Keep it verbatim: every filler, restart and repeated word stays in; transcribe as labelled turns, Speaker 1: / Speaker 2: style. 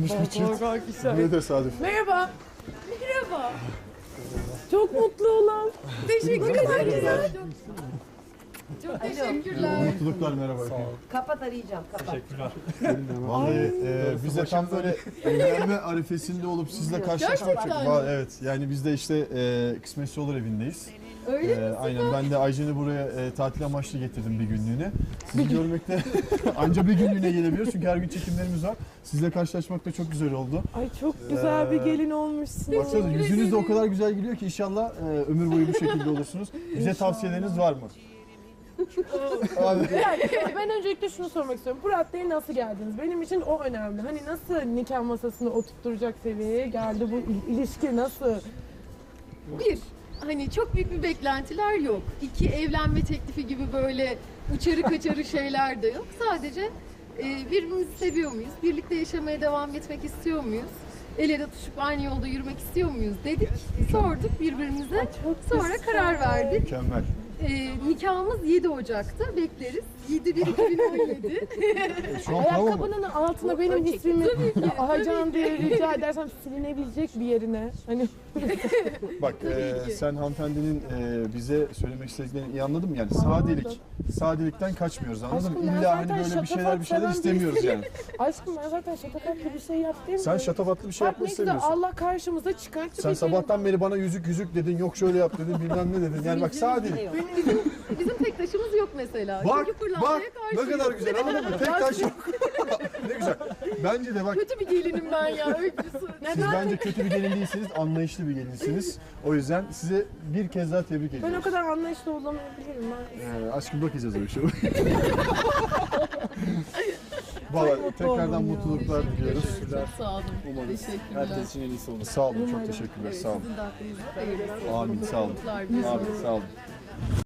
Speaker 1: Ne tesadüf.
Speaker 2: Merhaba. Merhaba. Çok mutlu olan. Teşekkür ederim.
Speaker 3: Çok teşekkürler.
Speaker 1: Mutluluklar, merhaba.
Speaker 3: Kapat, arayacağım. Kapat.
Speaker 1: Vallahi e, biz de tam böyle evlenme arifesinde olup sizle karşılaşmak çok.
Speaker 2: Gerçekten
Speaker 1: Va- Evet, yani biz de işte e, Kısmetse Olur evindeyiz.
Speaker 3: Öyle
Speaker 1: E, aynen, ben de Aycen'i buraya e, tatil amaçlı getirdim bir günlüğüne. Sizi görmekte anca bir günlüğüne gelebiliyoruz çünkü her gün çekimlerimiz var. Sizle karşılaşmak da çok güzel oldu.
Speaker 2: Ay çok güzel bir gelin olmuşsun.
Speaker 1: Baksanıza yüzünüz de o kadar güzel gülüyor ki inşallah e, ömür boyu bu şekilde olursunuz. Bize tavsiyeleriniz var mı? Abi.
Speaker 2: Yani ben öncelikle şunu sormak istiyorum. Bu raddeye nasıl geldiniz? Benim için o önemli. Hani nasıl nikah masasını oturtturacak seviyeye geldi bu il- ilişki nasıl?
Speaker 4: Bir, hani çok büyük bir beklentiler yok. İki, evlenme teklifi gibi böyle uçarı kaçarı şeyler de yok. Sadece e, birbirimizi seviyor muyuz? Birlikte yaşamaya devam etmek istiyor muyuz? El ele tutuşup aynı yolda yürümek istiyor muyuz dedik. Sorduk birbirimize. Sonra karar verdik.
Speaker 1: Mükemmel.
Speaker 4: E, nikahımız yedi Ocak'ta. Bekleriz. yedi bir iki bin on yedi.
Speaker 1: Şu an prova mı?
Speaker 2: Ayakkabının altına benim ismimi Ahacan diye rica edersem silinebilecek bir yerine. Hani
Speaker 1: Bak e,
Speaker 4: ki.
Speaker 1: sen hanımefendinin e, bize söylemek istediklerini iyi anladın mı? Yani sadelik. Sadelikten kaçmıyoruz, anladın mı?
Speaker 2: Aşkım, ben
Speaker 1: İlla hani
Speaker 2: zaten
Speaker 1: böyle bir şeyler
Speaker 2: şatafat
Speaker 1: bir şeyler
Speaker 2: seven
Speaker 1: istemiyoruz
Speaker 2: birisiyim.
Speaker 1: yani.
Speaker 2: aşkım ben zaten şatafatlı bir şey yaptım.
Speaker 1: Sen şatafatlı bir şey
Speaker 2: Bak
Speaker 1: yapmak
Speaker 2: ne güzel
Speaker 1: istemiyorsun.
Speaker 2: Allah karşımıza çıkarttı.
Speaker 1: Sen
Speaker 2: bir
Speaker 1: sabahtan beri bana yüzük yüzük dedin, yok şöyle yap dedin, bilmem ne dedin. Yani bak sadelik.
Speaker 4: Bizim tek taşımız yok mesela.
Speaker 1: Bak,
Speaker 4: Çünkü fırlanmaya
Speaker 1: bak
Speaker 4: karşıyız.
Speaker 1: ne kadar güzel, anladın mı? Tek taş yok. Ne güzel. Bence de bak,
Speaker 4: Kötü bir gelinim ben ya. Öyküsü.
Speaker 1: siz bence kötü bir gelin değilsiniz, anlayışlı bir gelinsiniz. O yüzden size bir kez daha tebrik
Speaker 2: Ben
Speaker 1: ediyorum.
Speaker 2: o kadar anlayışlı olamayabilirim ben.
Speaker 1: Ee, aşkım bakacağız öyle şey. Valla tekrardan
Speaker 2: oldum ya.
Speaker 1: mutluluklar diliyoruz.
Speaker 4: Çok sağ olun.
Speaker 1: Umarız.
Speaker 4: Teşekkürler.
Speaker 5: Herkes için en iyisi olur.
Speaker 1: Sağ olun, çok teşekkürler, sağ olun.
Speaker 4: Sizin de aklınızda hayırlısı.
Speaker 1: Amin, sağ olun.
Speaker 4: Mutluluklar.
Speaker 1: Amin, sağ olun.